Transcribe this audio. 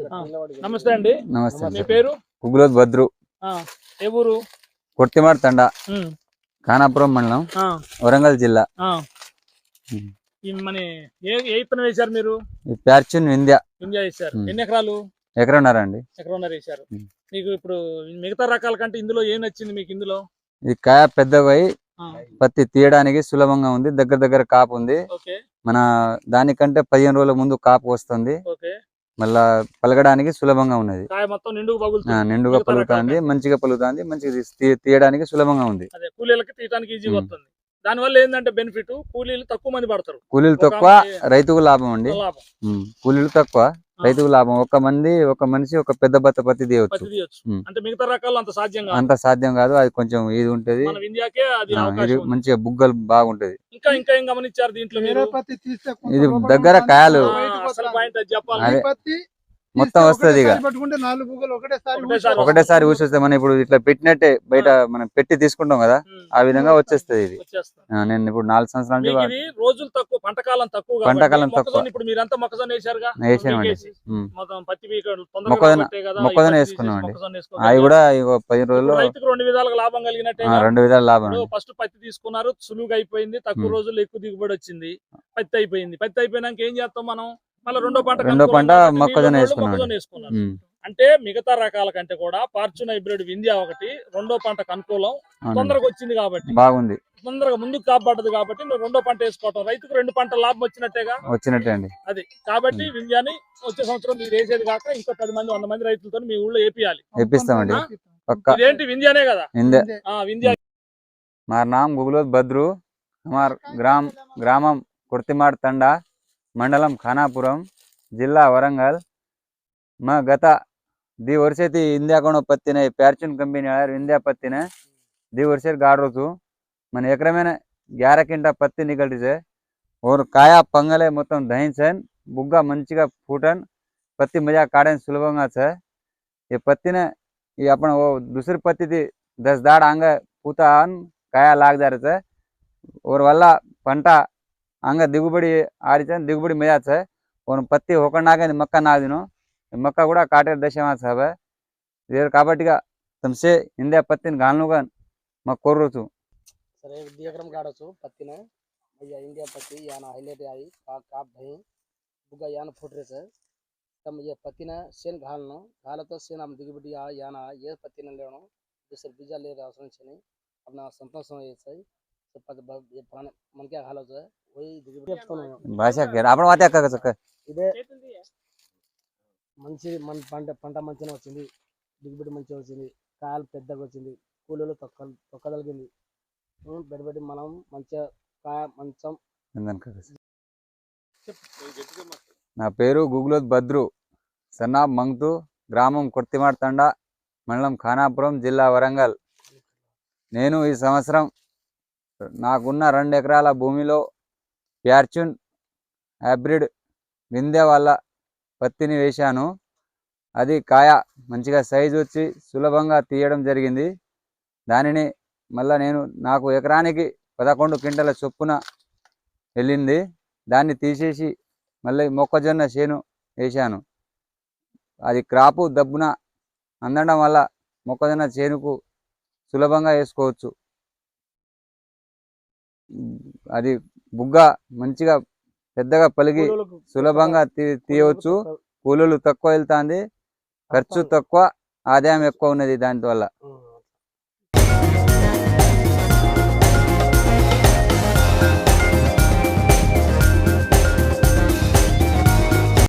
నమస్తే అండి. నమస్తే. మీ పేరు? గుగ్గులోత్ భద్రు. ఏ ఊరు? కొర్తిమార్ తండా, ఖానాపురం మండలం, వరంగల్ జిల్లా. మన ఏ ఇత్తనం వేశారు మీరు? ప్యార్చున్ వింధ్య వేశారు. ఎన్ని ఎకరాలు? ఎకరన్నర అండి. ఎకరన్నర వేశారు. మీకు ఇప్పుడు మిగతా రకాల కంటే ఇందులో ఏం నచ్చింది మీకు? ఇందులో ఇది కాయ పెద్దగా పత్తి తీయడానికి సులభంగా ఉంది. దగ్గర కాపు ఉంది. మన దానికంటే 15 రోజుల ముందు కాపు వస్తుంది. మళ్ళా పలగడానికి సులభంగా ఉన్నది. నిండుగా పలుకుతుంది, మంచిగా పలుకుతుంది, మంచిగా తీయడానికి సులభంగా ఉంది. కూలీలకి తీయడానికి ఈజీగా వస్తుంది. దాని వల్ల ఏంటంటే బెనిఫిట్, కూలీలు తక్కువ మంది పడతారు. కూలీలు తక్కువ, రైతుకు లాభం అండి. కూలీలు తక్కువ, రైతుకు లాభం. ఒక మనిషి ఒక పెద్ద బత్త పత్తి తీయవచ్చు. అంటే మిగతా రకాలు అంత సాధ్యం కాదు. అది కొంచెం ఇది ఉంటది, మంచిగా బుగ్గలు బాగుంటది. ఇంకా ఏం గమనించారు దీంట్లో? ఇది దగ్గర కాయలు మొత్తం వస్తుంది. ఇక ఒకటేసారి ఊసొస్తే మనం ఇప్పుడు ఇట్లా పెట్టినట్టే బయట మనం పెట్టి తీసుకుంటాం కదా, ఆ విధంగా వచ్చేస్తుంది. ఇది నేను ఇప్పుడు 4 సంవత్సరాల నుంచి రోజులు తక్కువ, పంటకాలం తక్కువ. ఇప్పుడు మీరంతా మొక్కజొన్న వేసారుగా? వేసామండి. మొక్కజొన్న వేసుకున్నామండి. అవి కూడా 10 రోజుల్లో 2 విధాలుగా లాభం కలిగినట్టే. 2 విధాలు లాభం. ఫస్ట్ పత్తి తీసుకున్నారు, సులువుగా అయిపోయింది, తక్కువ రోజుల్లో ఎక్కువ దిగుబడి వచ్చింది. పత్తి అయిపోయినాక ఏం చేస్తాం మనం? మళ్ళీ రెండో పంట మొక్కజొన్న వేసుకున్నాం. అంటే మిగతా రకాల కంటే కూడా ఫార్చ్యూన్ హైబ్రిడ్ వింధ్య ఒకటి రెండో పంటకు అనుకూలం. తొందరగా వచ్చింది కాబట్టి బాగుంది, తొందరగా ముందుకు కాపాడదు కాబట్టి నువ్వు రెండో పంట వేసుకోవటం, రైతుకు 2 పంటల లాభం వచ్చినట్టే అండి. అది కాబట్టి వింధ్యాని వచ్చే సంవత్సరం మీరు వేసేది కాక ఇంకో 10 మంది 100 మంది రైతులతో మీ ఊళ్ళో వేపిస్తామండి. ఇదేంటి వింధ్యానే కదా? వింధ్య. మా నామ్ గుగ్గులోత్ భద్రు. हमार ग्रामम कुर्तिमार तंडा, मंडलम खानापुरम, जिल्ला वरंगल. मैं गता 2 वर्ष थी इंडिया को पत्ती ने प्यार्चुन कंपनी इंडिया पत्ती ने 2 वर्ष गाड़ो छू. मन एकरे में 11 क्विंटल पत्ती निकलती है. और काया पंगले मोतम दही से बुग्गा मंचिगा फूटन पत्ती मजा काड़े सुलभंगा है. ये पत्ती ने ये अपन वो दूसरी पत्ती थी 10 दाड़ आंग पूता काया लाग जा रहे थे. और वल्ला पंटा अंग दिगुबड़ी आड़ी दिगुबड़ी मजा है. और पत्ती होकर नागे मक्का ना दिनो मक्का కూడా కాటే దశమా సాబ్ ఇదే కాబట్టిగా తమసే ఇండియా పత్తిని గానుగా మాకు కోరుచు సరే. 1 ఎకరం గాడొచ్చు పత్తినే అయ్యా. ఇండియా పత్తి యాన హైలైట్ आई काप भई बुगा यान फुट रहे से तम ये पत्तीने सेन घालो तो सेन हम दिगबड़ी आ याना ये पत्तीने लेनो दूसरे बीजा ले रासन छने अपना संतोष हो ये सही ये मन क्या घालो है वही दिगबड़ी भाषा के आपण वाते का सक ఇదే మంచి పంట మంచిగా వచ్చింది, దిగుబడి మంచిగా వచ్చింది, కాయలు పెద్దగా వచ్చింది, కూలీలు తొక్కదలిగింది. బెడబెట్టి మనం మంచిగా కాయ మంచం. నా పేరు గుగ్గులోత్ భద్రు, సన్నాబ్ మంగ్తు, గ్రామం కొర్తిమార్ తండా, మండలం ఖానాపురం, జిల్లా వరంగల్. నేను ఈ సంవత్సరం నాకున్న 2 ఎకరాల భూమిలో ప్యార్చున్ హైబ్రిడ్ వింధ్య వల్ల పత్తిని వేశాను. అది కాయ మంచిగా సైజు వచ్చి సులభంగా తీయడం జరిగింది. దానిని మళ్ళీ నాకు ఎకరానికి 11 క్వింటల చొప్పున వెళ్ళింది. దాన్ని తీసేసి మళ్ళీ మొక్కజొన్న చేను వేశాను. అది క్రాపు దబ్బున అందడం వల్ల మొక్కజొన్న చేనుకు సులభంగా వేసుకోవచ్చు. అది బుగ్గ మంచిగా పెద్దగా పలిగి సులభంగా తీయవచ్చు. కూలీలు తక్కువ వెళ్తాంది, ఖర్చు తక్కువ, ఆదాయం ఎక్కువ ఉన్నది దాని వల్ల.